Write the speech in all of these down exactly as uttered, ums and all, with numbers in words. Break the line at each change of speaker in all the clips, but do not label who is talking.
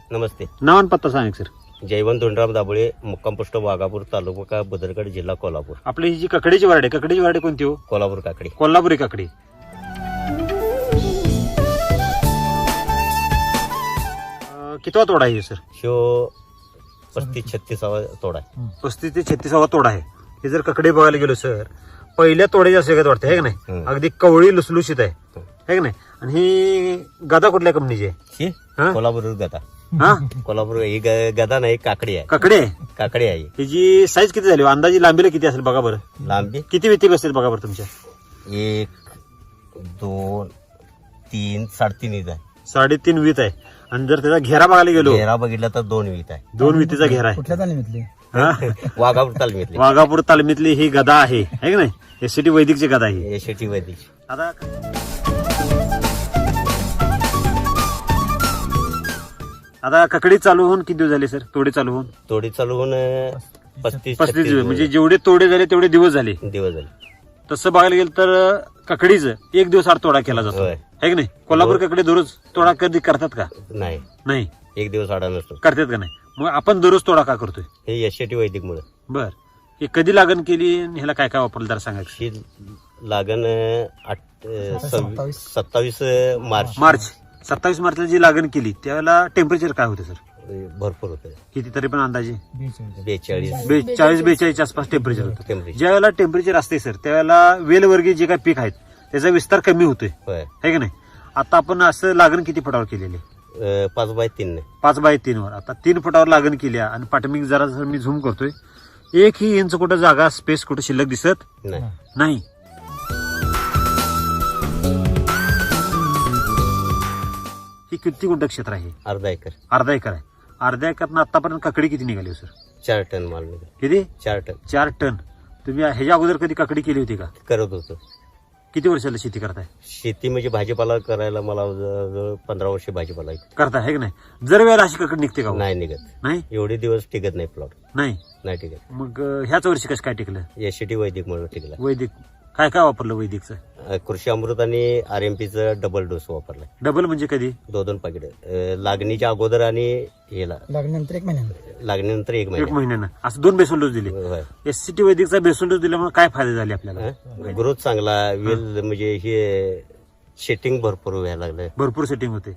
नमस्ते.
नाव आणि पत्ता सांगा सर.
जयवंत धोंडराम दाबोळे, मुक्काम पोस्ट वाघापूर, तालुका बदरगड, जिल्हा कोल्हापूर.
आपली ही जी ककडीची वारड आहे, ककडीची वारड कोणती हो?
कोल्हापूर काकडी.
कोल्हापुरी काकडी. कितवा तोडा आहे सर?
शो पस्तीस छत्तीसावा तोडा आहे.
पस्तीस ते छत्तीसावा तोडा आहे. हे जर ककडे बघायला गेलो सर, पहिल्या तोड्याची असं वाटतं आहे का नाही?
हम्म.
अगदी कवळी लुसलुशीत आहे है का नाही? आणि ही गदा कुठल्या कंपनीची आहे?
शी
हा?
कोल्हापूर गदा.
हा
कोल्हापूर ही ग- गदा नाही, काकडी आहे.
ककडे आहे.
काकडी आहे.
हिची साईज किती झाली? अंदाजी लांबीला किती असेल बघा बरं.
लांबी
किती वेती बसतील बघा बरं तुमच्या?
एक दोन तीन साडेतीन वीत आहे.
साडेतीन वीत आहे. आणि जर त्याचा घेरा बघायला गेलो,
घेरा बघितला तर दोन वीत आहे.
दोन वितीचा घेरा आहे.
कुठल्या तालमीतली?
हा?
वाघापूर तालमीतली
वाघापूर तालमीतली ही गदा आहे है का नाही? एसटी वैदिकची गदा आहे.
यशटी वैदिक.
आता आता ककडी चालू होऊन किती दिवस झाले सर? तोडे चालू होऊन
तोडी चालू होऊन पस्तीस
पस्तीस दिवस. म्हणजे जेवढे तोडे झाले तेवढे दिवस झाले.
दिवस झाले.
तसं बघायला गेलं तर ककडीचं एक दिवस आड तोडा केला जातो
होय.
है की नाही? कोल्हापूर ककडे दररोज तोडा कधी करतात का?
नाही,
नाही
एक दिवस आडा नसतो.
करतात का नाही? मग आपण दररोज तोडा का करतोय?
हे यशटी वैदिक मुळे.
बर. हे कधी लागण केली आणि ह्याला काय काय वापरलं जरा सांगायचं.
ही लागण आठ
सत्तावीस.
सत्तावीस मार्च
मार्च सत्तावीस मार्चला जी लागण केली त्यावेळेला टेम्परेचर काय होतं सर?
भरपूर होते.
किती तरी पण अंदाजे
बेचाळीस
बे- चाळीस बेचाळीस आसपास टेम्परेचर होतं.
टेम्परेचर.
ज्या वेळेला टेम्परेचर असते सर त्यावेळेला वेलवर्गीय जे काही पीक आहेत त्याचा विस्तार कमी होतोय
होय.
है की नाही? आता आपण असं लागण किती फुटावर केलेली?
अं, पाच बाय तीन ने.
पाच बाय तीन वर. आता तीन फुटावर लागण केली आहे आणि पाठमिक जरा जर मी झूम करतोय, एक ही इंच कुठं जागा स्पेस कुठं शिल्लक दिसत
नाही.
नाही. ही किती गुंठ क्षेत्र आहे?
अर्धा एकर.
अर्धा एकर आहे. अर्ध्या एकरनं आतापर्यंत ककडी किती निघाली हो सर?
चार टन माल निघाला.
किती?
चार टन
चार टन. तुम्ही ह्याच्या अगोदर कधी ककडी केली होती का?
करत होतो.
किती वर्षाला शेती करताय?
शेती म्हणजे भाजीपाला करायला मला जवळजवळ पंधरा वर्ष भाजीपाला आहे.
करताय है की नाही? जर वेळेला अशी ककडी निघते का हो?
नाही निघत.
नाही
एवढे दिवस टिकत नाही प्लॉट.
नाही.
नाही टिकत.
मग अं, ह्याच वर्षी कसं काय टिकलं?
यशटी वैदिक मुळे टिकला.
वैदिक काय काय वापरलं वैदिकचं?
अं, कृषी अमृत आणि आर एम पीचं डबल डोस वापरलाय.
डबल म्हणजे कधी?
दोन दोन पाकिट लागणीच्या अगोदर आणि हेला
लागल्यानंतर एक महिन्यानंतर.
लागणीनंतर एक
एक
महिना.
महिन्यानं असं दोन बेसल डोस दिले.
होय.
एस सी टी वैदिकचा बेसल डोस दिल्यामुळे काय फायदे झाले आपल्याला?
हं? ग्रोथ चांगला वेल म्हणजे हे शेटिंग भरपूर व्हायला लागलं.
भरपूर सेटिंग होते.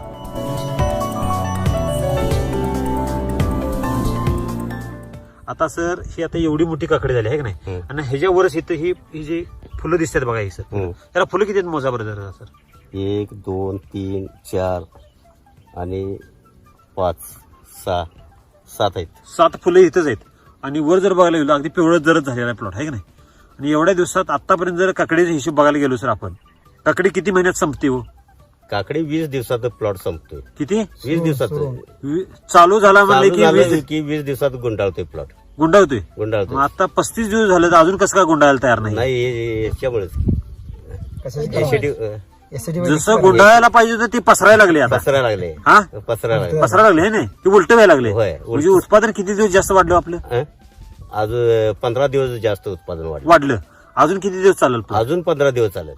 आता सर ही आता एवढी मोठी काकडी झाली आहे की नाही?
हं.
आणि ह्याच्यावरच इथं ही ही जी फुलं दिसतात बघा ही सर,
हं.
त्याला फुलं किती आहेत मोजा बरं जरा सर?
एक दोन तीन चार आणि पाच सहा सात आहेत.
सात फुलं इथंच आहेत. आणि वर जर बघायला गेलो अगदी पिवळं जरच झालेला आहे प्लॉट आहे की नाही? आणि एवढ्या दिवसात आतापर्यंत जर काकडीचा हिशोब बघायला गेलो सर आपण, काकडी किती महिन्यात संपते हो?
काकडी वीस दिवसात प्लॉट संपतोय.
किती?
वीस दिवसात
सुरू.
वी- चालू झाला म्हणजे
चालू
की
झालं
वीस
की वीस दिवसात गुंडाळतोय प्लॉट.
गुंडाळतोय. मग
गुंडाळतोय.
आता पस्तीस दिवस झाले तर अजून कसं काय गुंडाळायला तयार नाही?
नाही हे- याच्यामुळेच
कशासाठी?
एसीडी
एसटी
जसं गुंडाळायला पाहिजे तर ते पसरायला लागले आता.
पसरायला लागले.
हा
पसरायला लागले.
पसरायला लागले है नाही? ते उलट व्हायला लागले.
होय, उलटं.
म्हणजे उत्पादन किती दिवस जास्त वाढलं आपलं?
हं? अजून पंधरा दिवस जास्त उत्पादन वाढलं.
वाढलं. अजून किती दिवस चालेल plot?
अजून पंधरा दिवस चालेल.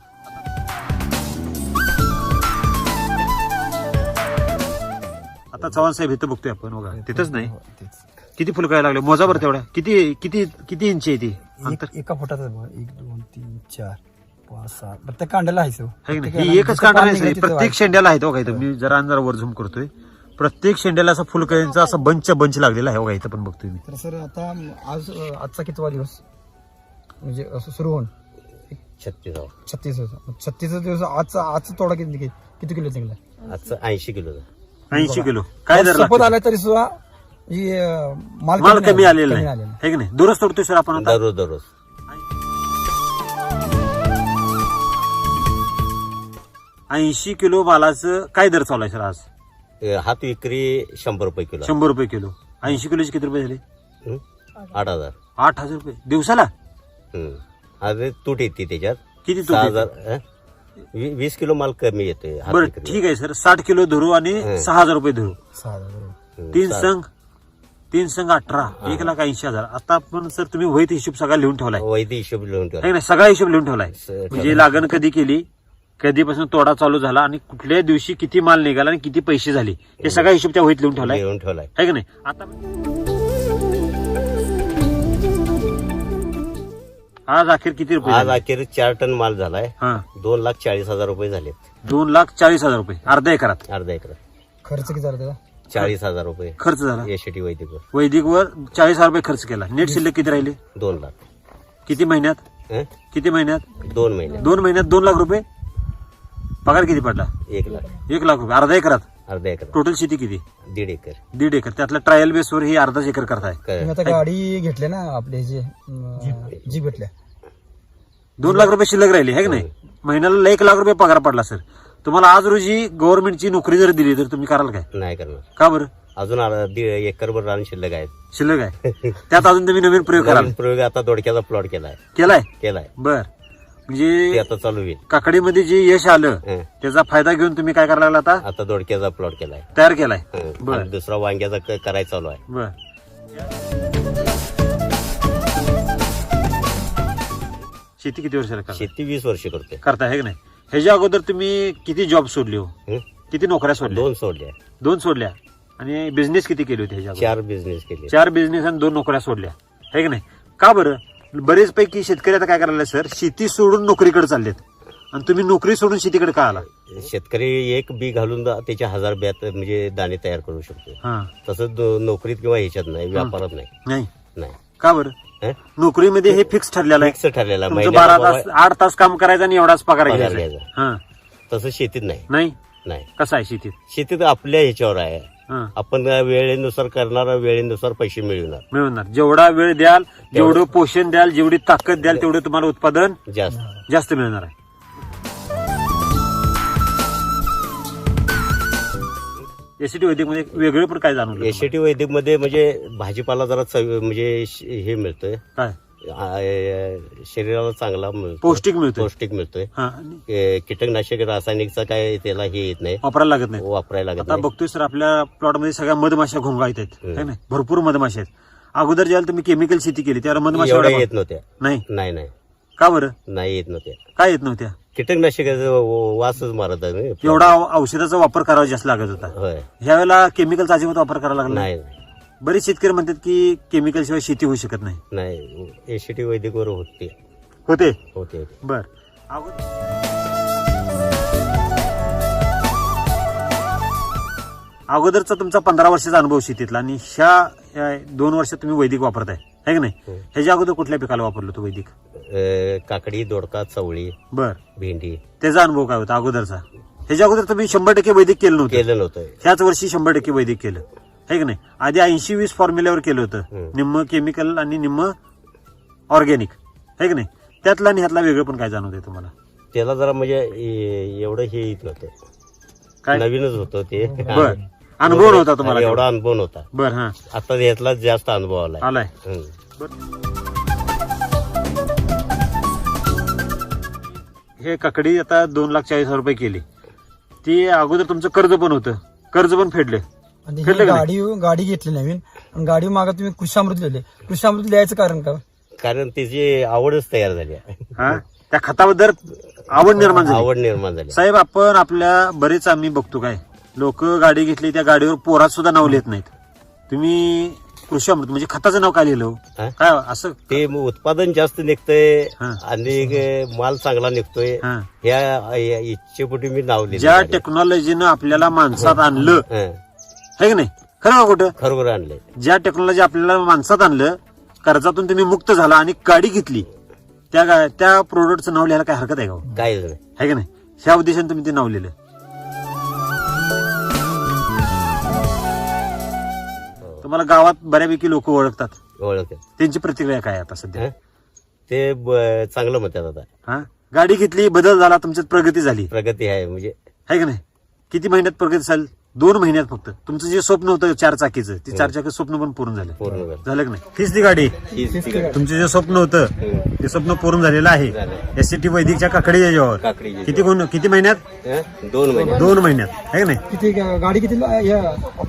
आता चव्हाण साहेब इथं बघतोय आपण बघा, तिथंच नाही किती फुलं काय लागले मोजा बरं तेवढ्या. किती किती किती इंची आहे ती अंतर?
एक- एका फुटाचा बघा. एक दोन तीन चार पाच सहा प्रत्येक कांड्याला आहे तो.
है की नाही? ही एकच कांडा नाही सर, प्रत्येक शेंड्याला आहे तो का इथं. मी जरा अंधार वर झूम करतोय. प्रत्येक शेंड्याला असा फुलकळींचा असा बंच बंच लागलेला आहे बघा इथं पण बघतोय मी.
तर सर आता आज आजचा कितवा दिवस म्हणजे असं सुरू होऊन
छत्तीस
छत्तीस छत्तीस दिवस आजचा आजचा तोडा किती किती किलो निघाला?
आजचं ऐंशी किलो.
ऐंशी किलो काय दर
सपोज
लागतो?
आला तरी सुद्धा ही, अं,
माल कमी आलेला
कमी
नाही
आलेला.
है की नाही? दररोज तोडतोय सर आपण आता.
दररोज दररोज
ऐंशी किलो मालाचं काय दर चालू आहे सर आज?
अं, हात विक्री शंभर रुपये किलो.
शंभर रुपये किलो. ऐंशी किलोचे किती रुपये झाले?
हं? आठ हजार.
आठ हजार रुपये दिवसाला.
हं. अरे तूट येते त्याच्यात.
किती तूट
सहा
येते?
हजार हं? वी- वीस किलो माल कमी येतोय हात
बरं
विक्री.
ठीक आहे सर, साठ किलो धरू आणि
हं.
सहा हजार रुपये धरू.
सहा हजार बरोबर.
हं,
तीन
सहा-
संघ तीन संघ अठरा एक लाख ऐंशी हजार. आता आपण सर तुम्ही वहीत हिशोब सगळा लिहून ठेवलाय
वैधी हिशोब लिहून
है
ठेवा.
की नाही? सगळा हिशोब लिहून ठेवलाय.
स-
म्हणजे लागण कधी केली, कधीपासून तोडा चालू झाला आणि कुठल्या दिवशी किती माल निघाला आणि किती पैसे झाले हे सगळा हिशोब त्या वहीत लिहून ठेवलाय
लिहून ठेवलाय.
आहे का नाही. आता आज अखेर किती रुपये
आज
झाले?
अखेर चार टन माल झालाय.
हा
दोन लाख चाळीस हजार रुपये झालेत
दोन लाख चाळीस हजार रुपये अर्ध्या एकरात
अर्धा एकर.
खर्च किती झाला त्याचा?
चाळीस हजार रुपये
खर्च झाला.
एसीटी वैदिकवर.
वैदिकवर चाळीस हजार रुपये खर्च केला. नेट शिल्लक किती राहिले?
दोन लाख.
किती महिन्यात?
हं?
किती महिन्यात?
दोन महिने
दोन महिन्यात दोन लाख रुपये. पगार किती पडला?
एक लाख.
एक लाख रुपये अर्धा एकरात.
अर्धा एकर.
टोटल शेती किती?
दीड एकर.
दीड एकर. त्यातल्या ट्रायल बेसवर ही अर्धाच एकर करताय.
तुम्ही आता गाडी घेतली ना आपले जे जीप घेतल्या,
दोन लाख रुपये शिल्लक राहिले आहे की नाही. महिन्याला एक लाख रुपये पगार पडला सर. तुम्हाला आज रोजी गव्हर्नमेंटची नोकरी जर दिली तर तुम्ही कराल काय?
नाही करणार.
का बरं?
अजून अर्धा- दीड एकरभर रान शिल्लक आहेत.
शिल्लक आहे त्यात अजून तुम्ही नवीन प्रयोग कराल.
नवीन प्रयोग आता दोडक्याचा प्लॉट केलाय
केलाय
केलाय
बर.
ते
म्हणजे
आता चालू होईल.
काकडीमध्ये जे यश आलं
हं.
त्याचा फायदा घेऊन तुम्ही काय करायला लागला आता?
आता दोडक्याचा प्लॉट केलाय.
तयार केलाय.
हं.
बर.
आणि दुसरा वांग्याचा क- करायचा चालू आहे.
बर. शेती किती वर्षाला करता?
शेती वीस वर्ष करतोय.
करताय है की नाही. ह्याच्या अगोदर तुम्ही किती जॉब सोडली हो?
हं?
किती नोकऱ्या सोडल्या?
दोन सोडल्या.
दोन सोडल्या. आणि बिझनेस किती केले होते ह्याच्या अगोदर?
चार बिझनेस केले.
चार बिझनेस आणि दोन नोकऱ्या सोडल्या है की नाही. का बरं? बरेच पैकी शेतकरी आता काय करायला सर, शेती सोडून नोकरीकडे चाललेत आणि तुम्ही नोकरी सोडून शेतीकडे का आला?
शेतकरी एक बी घालून दा- त्याचे हजार ब्यात म्हणजे दाणे तयार करू शकतो.
हा
तसंच दो- नोकरीत किंवा ह्याच्यात नाही, व्यापारात नाही.
नाही.
नाही.
का बरं?
हं?
नोकरीमध्ये हे फिक्स ठरलेलं आहे.
फिक्स ठरलेला
तुमचं
महिन्याला
बारा तास आठ तास काम करायचं आणि एवढाच पगार
पगार
घ्यायचा.
घ्यायचा.
हा
तसं शेतीत नाही.
नाही.
नाही.
कसं आहे शेतीत?
शेतीत आपल्या ह्याच्यावर आहे.
हा
आपण वेळेनुसार करणार, वेळेनुसार पैसे मिळवणार.
मिळवणार. जेवढा वेळ द्याल, जेवढं पोषण द्याल, जेवढी ताकद द्याल, तेवढं तुम्हाला उत्पादन
जास्त
जास्त मिळणार आहे. एसीटी वैदिक मध्ये वेगळे पण काय जाणवलं?
एसीटी वैदिक मध्ये म्हणजे भाजीपाला जरा चव म्हणजे श- हे मिळतोय,
काय
आ- शरीराला चांगला मिळतो,
पौष्टिक मिळतं.
पौष्टिक मिळतोय.
हा आणि
ए, कीटकनाशक रासायनिकचा काय त्याला हे येत नाही,
वापरायला लागत नाही.
वापरायला लागत
आता
नाही.
बघतोय सर आपल्या प्लॉट मध्ये सगळ्या मधमाशा घोंगाळत आहेत
हम्म.
है ना. भरपूर मधमाशा आहेत. अगोदर ज्यावेळेला तुम्ही केमिकल शेती केली त्यावेळेला मधमाशा
एवढ्या
एवढ्या
येत नव्हत्या.
नाही.
नाही नाही
का बरं?
नाही येत नव्हत्या.
काय येत नव्हत्या?
कीटकनाशकाचा वासच मारत आहे ना.
एवढा औषधाचा वापर करावा जास्त लागत होता.
होय.
ह्यावेळेला केमिकलचा अजिबात वापर करायला लागला
नाही
बरेच शेतकरी म्हणतात की केमिकल शिवाय शेती होऊ शकत नाही.
नाही एसीटी वैदिक वर होते
होते
होते
बर. अगोदर अगोदरचा तुमचा पंधरा वर्षाचा अनुभव शेतीतला आणि ह्या ह्या दोन वर्षात तुम्ही वैदिक वापरताय है की नाही.
हम्म.
ह्याच्या अगोदर कुठल्या पिकाला वापरलं तो वैदिक?
अ, काकडी, दोडका, चवळी,
बर.
भेंडी
त्याचा अनुभव काय होता अगोदरचा? ह्याच्या अगोदर तुम्ही शंभर टक्के वैदिक केलं नव्हतं.
केलं नव्हतं.
ह्याच वर्षी शंभर टक्के वैदिक केलं है की नाही. आधी ऐंशी वीस फॉर्म्युल्यावर केलं होतं,
हम्म. निम्म
निम्म केमिकल आणि निम्म ऑर्गॅनिक है की नाही. त्यातला आणि ह्यातला वेगळं पण काय जाणवतंय तुम्हाला?
त्याला जरा म्हणजे ए- एवढं हे येत नव्हतं,
काय
नवीनच होतं ते.
बर. अनुभव नव्हता तुम्हाला?
एवढा अनुभव नव्हता.
बर. हा
आता यातला जास्त अनुभव आलाय.
आलाय.
हं.
हे काकडी आता दोन लाख चाळीस हजार रुपये केली. ती अगोदर तुमचं कर्ज पण होतं, कर्ज पण फेडले.
आणि
फेडलं
ही
का नाही?
गाडी गाडी घेतली नवीन आणि गाडी मागा तुम्ही कृषामृत लिहिले. कृषामृत लिहायचं कारण का?
कारण त्याची आवडच तयार झाली आहे.
हा त्या खताबद्दल आवड निर्माण झाली.
आवड निर्माण झाली.
साहेब आपण आपल्या बरेच आम्ही बघतो काय लोक गाडी घेतली त्या गाडीवर पोरात सुद्धा नाव लिहित नाहीत. तुम्ही कृषी अमृत म्हणजे खताचं नाव काय लिहिलं हो?
हा?
काय असं?
ते मग उत्पादन जास्त निघतंय
हा.
आणि माल चांगला निघतोय,
हा.
ह्या या इच्छेपोटी मी नाव लिहिलं.
ज्या टेक्नॉलॉजीनं आपल्याला माणसात आणलं
हं.
है की नाही. खरं का खोटं?
खरोखर आणलंय.
ज्या टेक्नॉलॉजी आपल्याला माणसात आणलं, कर्जातून तुम्ही मुक्त झाला आणि गाडी घेतली, त्या गा- त्या प्रोडक्टचं नाव लिहायला काय हरकत आहे का हो?
काय नाही.
है की नाही. ह्या उद्देशाने तुम्ही ते नाव लिहिलं. तुम्हाला गावात बऱ्यापैकी लोक ओळखतात,
ओळखते.
त्यांची प्रतिक्रिया काय आहे आता सध्या?
हं? ते ब- चांगलं म्हणतात. आता
हा गाडी घेतली, बदल झाला, तुमच्यात प्रगती झाली
प्रगती आहे म्हणजे
है का नाही. किती महिन्यात प्रगती झाली? दोन महिन्यात फक्त. तुमचं जे स्वप्न होतं चार चाकीचं, ते चार चाकी स्वप्न पण पूर्ण झालं.
पूर्ण झालं.
झालं की नाही. हीच ती गाडी.
हीच ती गाडी.
तुमचं जे स्वप्न होतं
हं.
ते स्वप्न पूर्ण झालेलं आहे.
झालं.
एससीटी वैदिकच्या काकडी याच्यावर
काकडी
किती गुण किती महिन्यात?
हं? दोन महिने
दोन महिन्यात है का नाही.
किती गा- गाडी किती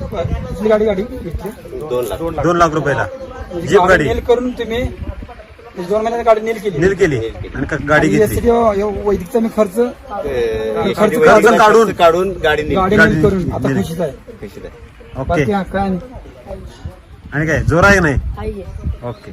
किती गाडी गाडी घेतली?
दोन लाख
दोन लाख रुपयाला
म्हणजे
जीप गाडी.
मेल करून तुम्ही म्हणजे दोन महिन्यात गाडी नील केली
नील केली आणि क- गाडी
आणि
घेतली.
यासाठी वैदिकचा मी खर्च
ते
खर्च
वैदिक
काढून-
काढून काढून गाडी नेली.
गाडी
गाडी
नील करून आता
नील.
खुशीच आहे
कशी आहे?
ओके
बाकी हा काय नाही.
आणि काय जोर आहे नाही
आहे
ओके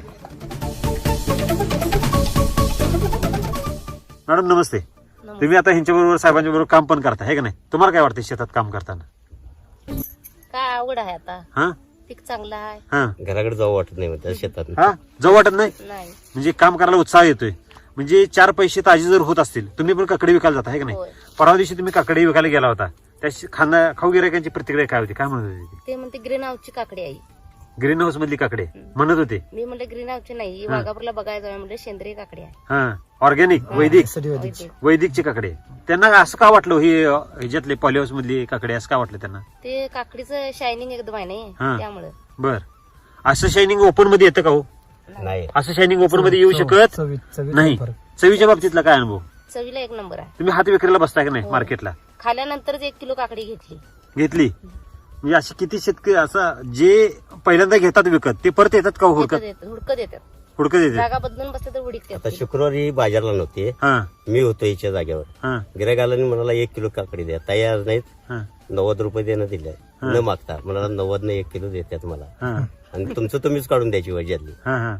मॅडम नमस्ते तुम्ही आता ह्यांच्या बरोबर साहेबांच्या बरोबर काम पण करता है का नाही तुम्हाला काय वाटतं शेतात काम करताना
काय आवड आहे आता
हा
पीक चांगलं आहे
हा
घराकडे जाऊ वाटत नाही म्हणतात शेतात.
हा जाऊ वाटत नाही
नाही
म्हणजे काम करायला उत्साह येतोय म्हणजे चार पैसे ताजे जर होत असतील तुम्ही पण काकडे विकायला जाता है का नाही
होय.
परवा दिवशी तुम्ही काकडे विकायला गेला होता त्या खाना खाऊ गिरायकांची प्रतिक्रिया काय होती काय म्हणत होती
ते म्हणते ग्रीन हाऊसची काकडी आहे
ग्रीन हाऊस मधली काकडे म्हणत होते
मी म्हणलं ग्रीन हाऊसची नाही ही वाघापूरला बघायचं आहे म्हणलं सेंद्रिय काकडी आहे
हा ऑर्गॅनिक वैदिक
यासाठी वैदिक.
वैदिक.
वैदिकची काकडे त्यांना असं का वाटलं ही ह्याच्यातले पॉलिहाऊस मधली काकडे असं का वाटलं त्यांना
ते काकडीचं शायनिंग एकदम आहे
हा.
नाही त्यामुळं
बर असं शायनिंग ओपन मध्ये येतं का हो
नाही
असं शायनिंग ओपन मध्ये येऊ शकत
चवी- चवीत
नाही
फरक.
चवीच्या बाबतीतला काय अनुभव
चवीला एक नंबर आहे
तुम्ही हात विक्रीला बसताय का नाही मार्केटला
खाल्यानंतरच एक किलो काकडी घेतली
घेतली म्हणजे असे किती शेतकरी असं जे पहिल्यांदा घेतात विकत ते परत येतात का हो हुडकत
हुडकत येतात हुडकत येतात
हुडकत येते
जागा बदलून बसले तर
आता
हुडकतात
शुक्रवारी बाजारला नव्हते
हा
मी होतो हिच्या जागेवर.
हा
गिरायकाला म्हणाला एक किलो काकडी द्या तयार नाहीत
हा
नव्वद रुपये देणं दिले न मागता म्हणाला नव्वद न एक किलो देतात मला
हा
आणि तुमचं तुम्हीच काढून द्यायची वजातली.
हा हा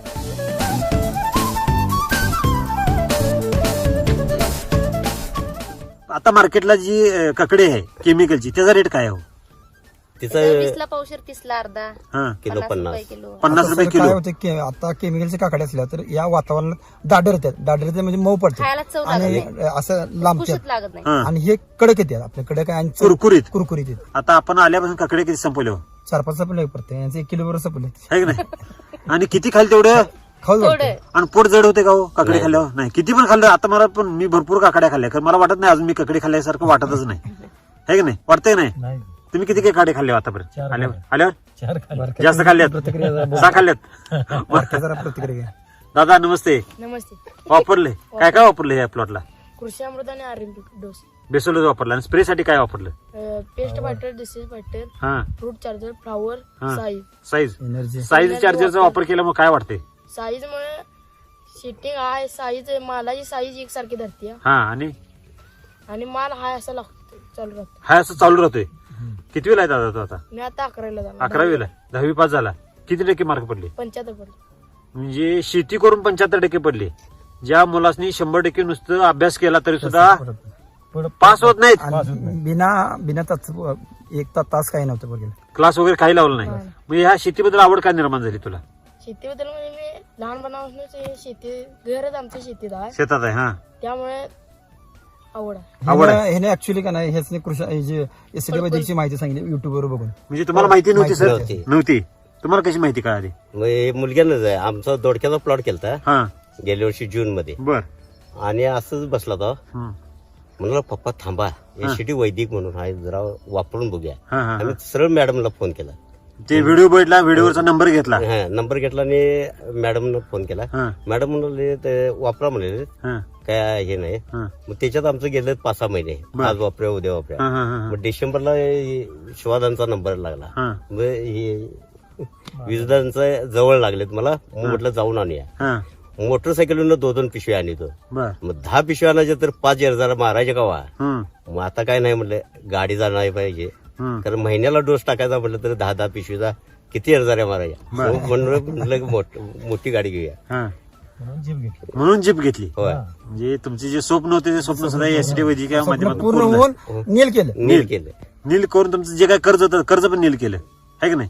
आता मार्केटला जी अं, काकडी आहे केमिकलची त्याचा रेट काय आहे हो
तिचं
वीसला पावशेर तीसला अर्धा
हा
किलो
पन्नास
पन्नास
रुपये किलो
पन्नास
आता
रुपये
सर
किलो
काय होते की आता केमिकलचे काकडे असल्या तर या वातावरणात दाडर येतात दाडर येतात म्हणजे मऊ पडते
खायला चव लागत
आणि
नाही
असं लांबतात
कुशीत लागत नाही
हा
आणि हे कडक येतात आपल्या कडक आहे आणि चव
कुरकुरीत
कुरकुरीत येतात
आता आपण आल्यापासून काकडे किती संपवले हो
चार पाच सपले पडते यांचं एक किलो बरोबर सपले
है की नाही आणि किती खाल तेवढं
खाऊ
थोडं
वाटते
आणि पोट जड होते का हो काकडे खाल्ल्यावर नाही किती पण खाल्लं आता मला पण मी भरपूर काकड्या खाल्ल्या कारण मला वाटत नाही अजून मी काकडे खाल्ल्यासारखं वाटतच नाही है की नाही वाटतंय नाही
नाही
तुम्ही किती काही काकडे खाल्ले आतापर्यंत
चार
आल्यावर आल्यावर
चार खाल्ले.
जास्त खाल्ल्यात
प्रतिक्रिया जरा बोल.
सहा खाल्ल्यात
बारक्या जरा प्रतिक्रिया घ्या.
दादा नमस्ते
नमस्ते
वापरले काय काय वापरले या प्लॉटला
कृषी अमृत आणि आर डोस
बेसोलच वापरला आणि स्प्रे साठी काय वापरलं
पेस्ट फायटर डिसीज फायटर
हा
फ्रूट चार्जर फ्लावर
हा.
साईज
साईज
एनर्जी
साईज चार्जरचा वापर केल्यामुळे काय वाटते
साईज मुळे शिटिंग आहे साईज मालाची साईज एकसारखी धरते
हा आणि
आणि माल हाय असा लागतो चालू राहतो
हा असं चालू राहतोय किती वेळा आहे दादा तो आता
मी आता अकरावीला जाणार
अकरावीला दहावी पास झाला किती टक्के मार्क पडले
पंच्याहत्तर पडले
म्हणजे शेती करून पंच्याहत्तर टक्के पडले ज्या मुलांनी शंभर टक्के नुसतं अभ्यास केला तरी सुद्धा पास होत नाहीत
आणि बिना बिना तास एक ता- तास काही नव्हतं बघेल
क्लास वगैरे काही लावलं नाही म्हणजे ह्या शेतीबद्दल आवड काय निर्माण झाली तुला
शेतीबद्दल म्हणजे मी लहानपणापासूनच हे शेती घरच आमच्या शेतीत आहे
शेतात आहे हा
त्यामुळे आवड आहे
आवड आहे.
ह्याने ऍक्च्युली का नाही हेच कृषी हे जे एसडी वैद्यकची माहिती सांगितली युट्यूबवर बघून
म्हणजे तुम्हाला माहिती नव्हती सर
नव्हती.
नव्हती तुम्हाला कशी माहिती कळाली
मग हे मुलग्यानंच आहे आमचा दोडक्याचा प्लॉट केलता
हा
गेल्या वर्षी जून मध्ये
बर
आणि असंच बसला तो
हम्म.
म्हणलं पप्पा थांबा एसीटी वैदिक म्हणून आहे जरा वापरून बघूया
हा हा
आम्ही सरळ मॅडमला फोन केला.
ते व्हिडिओ बघितला व्हिडिओवरचा नंबर घेतला
हा नंबर घेतला आणि मॅडमनं फोन केला.
हा
मॅडम म्हणाले ते वापरा म्हणले
हा
काय हे नाही.
हा
मग त्याच्यात आमचं गेलं पाच सहा महिने
बर.
आज वापरा उद्या वापरा.
हा हा हा
मग डिसेंबरला शिवादांचा नंबर लागला.
हा
मग हे वीजदांचा जवळ लागलेत मला मग म्हटलं जाऊन आणूया.
हा
मोटरसायकलून दोन दोन पिशव्या आणतो.
बर
मग दहा पिशव्या आणायच्या तर पाच हजार मारायचे का वा.
हम्म
मग आता काय नाही म्हटलं गाडी जाणार पाहिजे
हम्म
कारण महिन्याला डोस टाकायचा म्हटलं तर दहा दहा पिशवीचा किती हजार मारायच्या.
बरं.
मग म्हणलं म्हटलं की मोठ- मोठी गाडी घेऊया.
हा
जीव घेतली
म्हणून जीप घेतली
होय
म्हणजे तुमचे जे स्वप्न होते ते स्वप्न सुद्धा एसटी वैद्यकीय माध्यमातून
पूर्ण
पूर्ण
होऊन नील केलं
नील केलं.
नील करून तुमचं जे काय कर्ज होतं कर्ज पण नील केलं आहे की नाही.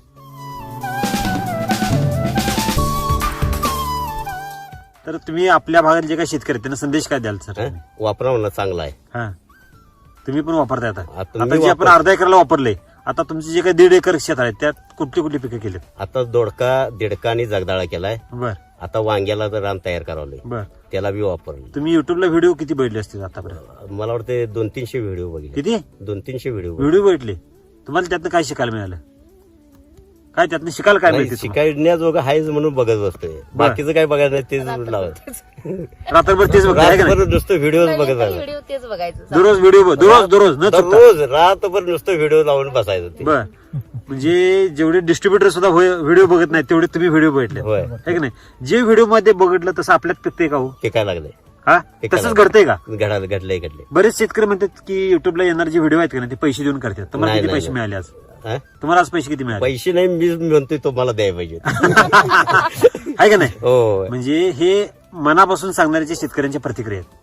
तर तुम्ही आपल्या भागात जे काही शेतकरी आहेत, त्यांना संदेश काय द्याल सर
हं? वापरा म्हणलं चांगला आहे.
हा तुम्ही पण वापरताय आता
आता मी
आता जे आपण
वापर-
अर्धा एकरला वापरले आता तुमचे जे काही दीड एकर शेत आहे त्यात कुठली कुठली पिकं केलीत.
आता दोडका दिडका आणि जगदाळा केलाय.
बर
आता वांग्याला तर रान तयार करावलंय
बर
त्याला बी वापरलं.
तुम्ही युट्यूबला व्हिडिओ किती बघितले असतील आतापर्यंत
मला वाटतं दोन तीनशे व्हिडिओ बघितले.
किती
दोन तीनशे व्हिडिओ
व्हिडिओ बघितले तुम्हाला त्यातनं काय शिकायला मिळालं काय त्यातनं शिकायला काय
नाही,
मिळते तुम्हाला?
शिकायण्याजोगं आहेच म्हणून बघत बसतोय बाकीचं काय बघायचं नाही तेच लावत
रात्रभर तेच बघा आहे का नाही?
रातभर नुसतं व्हिडिओ बघत राहायचं.
व्हिडिओ तेच बघायचं
दररोज व्हिडिओ दररोज दररोज न चुकता
रोज रातभर नुसतं व्हिडिओ लावून बसायचं ते.
बर म्हणजे जेवढे डिस्ट्रीब्युटर सुद्धा व्हिडिओ बघत नाही तेवढे तुम्ही व्हिडिओ बघितले
होय.
आहे की नाही? जे व्हिडिओ मध्ये बघितलं तसं आपल्यात पिकते का हो?
ते काय लागलंय
हा
ते काय
तसंच घडतंय का?
घडायला घडलंय घडलंय
बरेच शेतकरी म्हणतात की युट्यूबला येणारे जे व्हिडिओ आहेत का नाही ते पैसे देऊन करतात. तुम्हाला
नाही,
किती
नाही,
पैसे
नाही.
मिळाले आज?
हा?
तुम्हाला आज पैसे किती मिळाले
पैसे नाही मी म्हणतोय तुम्हाला द्यायला पाहिजे
आहे का नाही?
हो
म्हणजे हे मनापासून सांगणाऱ्याचे शेतकऱ्यांच्या प्रतिक्रिया आहेत.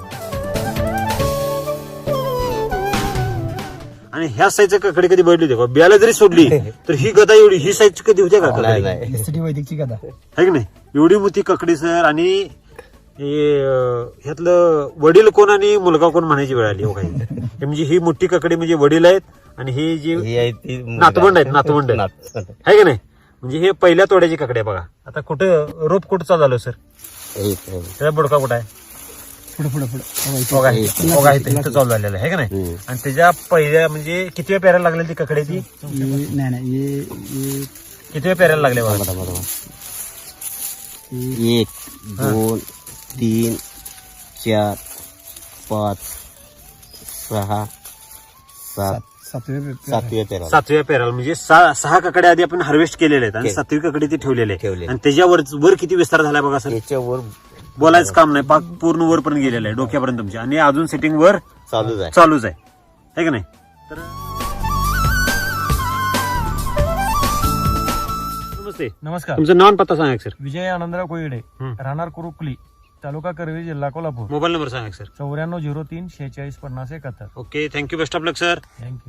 आणि ह्या साईजच्या काकडे कधी बघितली होती का? बियाला जरी सोडली तर ही गदा एवढी ही साईज कधी होते का
नाही
काकडी?
नाही
एसटी वैदिकची गदा
आहे की नाही? एवढी मोठी ककडी सर. आणि हे, अं, ह्यातलं वडील कोण आणि मुलगा कोण म्हणायची वेळ आली हो काही. हे म्हणजे ही मोठी ककडी म्हणजे वडील आहेत आणि हे जे
ही आहे ती
नातवंड आहेत नातवंड आहेत.
नात-
आहे की नाही? म्हणजे हे पहिल्या तोड्याची ककडी आहे बघा. आता कुठं रोप कुठं चालू झालं सर?
एक आहे.
त्याचा बुडका कुठं आहे?
पुढे पुढे पुढे
बघा इथं बघा इथं इथं चालू झालेलं आहे का नाही?
हम्म.
आणि त्याच्या पहिल्या म्हणजे किती पेरायला लागलेली ती ककडी ती?
नाही नाही ये ये
किती पेरायला लागले बघा?
बघा, बघा. एक दोन तीन चार पाच सहा सात
सातवे
सातव्या तेरा
सातव्या पेराला म्हणजे सहा सहा ककड्या आधी आपण हार्वेस्ट केलेल्या आहेत आणि
केले.
सातवी ककडी ती ठेवलेली आहे.
ठेवलेली.
आणि त्याच्यावर वर किती विस्तार झाला बघा सर.
याच्यावर
बोलायचं काम नाही, पाक पूर्ण वरपर्यंत गेलेलं आहे डोक्यापर्यंत तुमच्या. आणि अजून सेटिंग वर
चालूच आहे.
चालूच आहे है का नाही? तर नमस्ते,
नमस्कार.
तुमचं नाव आणि पत्ता सांगा सर.
विजय आनंदराव कोयडे,
हं.
राहणार कुरुकली, तालुका करवी, जिल्हा कोल्हापूर.
मोबाईल नंबर सांगा सर.
चौऱ्याण्णव झिरो तीन शेहेचाळीस पन्नास एकाहत्तर.
Okay, thank you, best of luck sir.
Thank you.